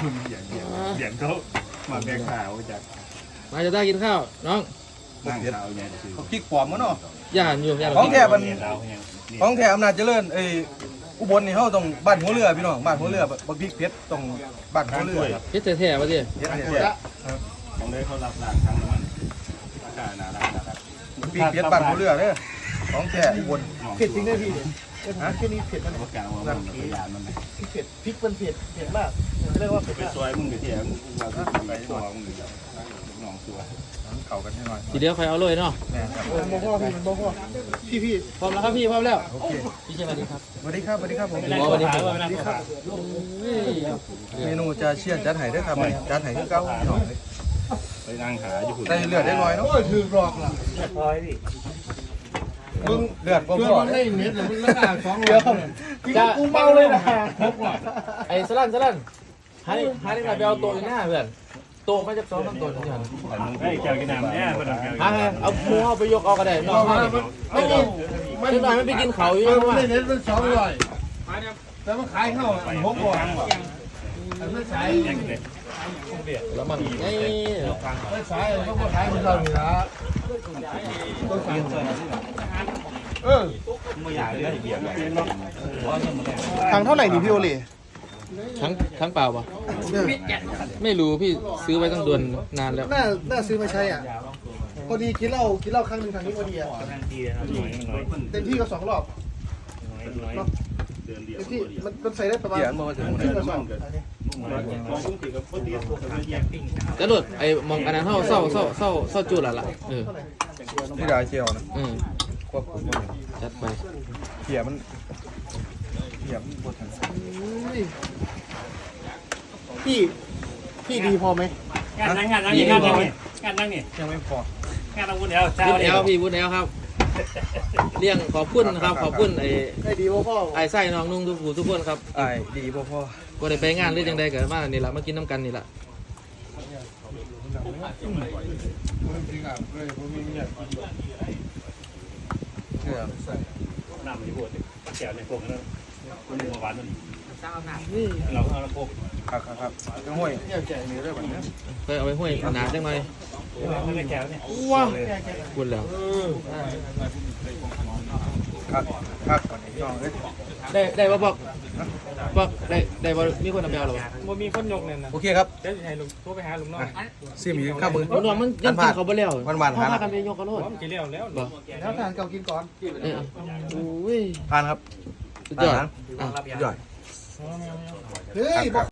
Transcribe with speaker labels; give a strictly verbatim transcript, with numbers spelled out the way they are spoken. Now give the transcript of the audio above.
Speaker 1: เบียงเบียงเบียงเขามาแบ่งข่าวจาก
Speaker 2: มาจะได้กินข้าวน้อง
Speaker 1: นั่งข่าวเนี่ย
Speaker 3: เขาพริกปลอมมั้งเนาะ
Speaker 2: ย่านอยู่ย่าน
Speaker 3: ของแท้มันของแท้อำนาจเจริญเอ้อุบลนี่เขาต้องบ้านหัวเรือพี่น้องบ้านหัวเรือบักพริกเพชรต้องบ้านหัวเรือครับ
Speaker 2: เพชรแท้ๆมาดิ
Speaker 3: เพชรแท้
Speaker 1: ของเลยเขารับหลังทั้งมันอากาศหนาหนาครับ
Speaker 3: พริกเพชรบ้านหัวเรือเนี่ยของแท้อุบล
Speaker 4: เผ็ดจริงเลยพี่ฮะแค่นี้เผ็ดมัน
Speaker 1: ประกาศว่ามันพยานมัน
Speaker 4: เผ็ดพริกมันเผ็ดเผ็ดมากเรียกว่าเผ็ด
Speaker 1: เป็นซอยมึงไปเที่ยวมึงเราไปตัวมึงหรือน้องตัว
Speaker 3: เข่ากันให้หน่อย
Speaker 2: ทีเดียวใครเอาเลยเนาะ
Speaker 3: แม่ครับ
Speaker 4: โมโหพี่โมโหพี่พี่
Speaker 2: พร้อมแล้วครับพี่พร้อมแล้ว
Speaker 3: โอเค
Speaker 2: พี่เชฟสวัสดีครับ
Speaker 3: สวัสดีครับสวัสดีครับผม
Speaker 2: สวัสดีครับสวัสดีครับ
Speaker 3: เมนูจะเชี่ยนจัดไห้ได้ครับจัดไห้คือเก่าหน่อย
Speaker 1: ไปนั่งหาอยู่
Speaker 3: ได้เลือดได้ลอยเนาะ
Speaker 4: โอ้ยถือหลอกล่ะพอยพี่มึง
Speaker 3: เลือดบ่
Speaker 4: คือ
Speaker 3: พอ
Speaker 4: มันได้เม็ดหรือมันละอ่างสองเดียวกูเมาเลยนะครบว่ะ
Speaker 2: ไอ้สลันสลันหาดิหาดิมาไปเอาโต๊ะอยู่หน้าเพื่อนโต๊ะไม่จะซ้อมทั้งโต๊ะนี่หัน
Speaker 1: ไอ้แก้วกินน้ำเนี่ยมัน
Speaker 2: หาเอาหมูเอาไปยกเอาก็ได้น้องไม่ไม่กินไม่ได้ไม่ไปกินเขาอยู่
Speaker 4: มัน
Speaker 2: เพราะว่า
Speaker 4: ได้เม็ดมันสองร้อยแต่มันขายเข้าหกร้อยมันขาย
Speaker 2: แล้วมันไอ้
Speaker 4: มันขายมันก็ขายมันเท่านี้ละต้องขายเออ
Speaker 1: ไม่อยากเลยเบียร์เลย
Speaker 4: ทางเท่าไหร่นี่พี่โอเล่
Speaker 2: ทั้งทั้งเปล่าปะไม่รู้พี่ซื้อไว้ตั้งเดือนนานแล้ว
Speaker 4: น่าน่าซื้อมาใช้อ่ะพอดีกินเหล้ากินเหล้าครั้งหนึ่งทางนี้พอดีอ่ะเต็มที่ก็สองรอบเนาะ
Speaker 1: เดือนเดียว
Speaker 4: เต็มที่มันมันใส่ได้ประมาณ
Speaker 3: เดี๋ยวมาถึง
Speaker 4: ครึ่งกระสอบ
Speaker 2: กระโดดไอ้มองอันนั้นเท่าเศร้าเศร้าเศร้าเศร้าจุดละล่ะเออ
Speaker 3: ที่ดาวเจียวนะ
Speaker 2: อืม
Speaker 3: ควบคุมมัน
Speaker 2: จัดไป
Speaker 3: เขี่ยมันเขี่ยมันปวดทัน
Speaker 4: พี่พี่ดีพอไหม
Speaker 5: งานนั่งงานนั่งนี่งานนั่งนี่งานนั่งนี่
Speaker 3: ยังไม่พอง
Speaker 5: านนั่งวุ้นเอลเช้า
Speaker 2: วุ้น
Speaker 5: เดี
Speaker 2: แอ
Speaker 5: ยว
Speaker 2: ลพี่วุ้นแอลครับเลี้ยงขอบคุณนะครับขอบคุณไอ้
Speaker 4: ได้ดีพ่อพ่อ
Speaker 2: ไอ้ไส้น้องนุ่งทุกผู้ทุกคนครับ
Speaker 3: ไอ้ดีพ่อพ่อ
Speaker 2: ก็ได้ไปงานหรือยังใดเกิดมานี่แหละมากินน้ำกันนี่แหละ
Speaker 3: เนี่ย
Speaker 5: น้ำมันอยู่บนแก้วในพวกนั้นมันหัวหวานมันเราเอาละพวก
Speaker 3: ครับครับครับก็ห้วยเนี่ยแกนี่ได้แบบนี้
Speaker 2: ไปเอาไปห้วยหนาจังหน่อย
Speaker 5: ไม่แก้วเนี่ย
Speaker 2: ว้าวพูดแล้ว
Speaker 3: ครับครับก่อนนี้น้องเอ้ย
Speaker 2: ได้ได้บ่บอกบอกได้ได้บ่มีคนเอาไปเอาหรอ
Speaker 5: มันมีคนยกเนี่ยนะ
Speaker 3: โอเคครับ
Speaker 5: เดี๋ยวจะให้ลุงโทรไปหาลุงน้อง
Speaker 3: ซิมอีกข้าวมือ
Speaker 2: น้องมันยังกินเขาไปแล้ว
Speaker 3: วันวัน
Speaker 2: เขา
Speaker 3: ทาน
Speaker 2: พากันไปยกกระโดด
Speaker 5: ผมกินแล้วแล้ว
Speaker 2: บ่
Speaker 4: แล้วทานเก่ากินก่อน
Speaker 2: เออโอ้ย
Speaker 3: ทานครับ
Speaker 2: สุดยอด
Speaker 3: ทาน
Speaker 2: อ่ะ
Speaker 3: ยอด
Speaker 4: เฮ้ย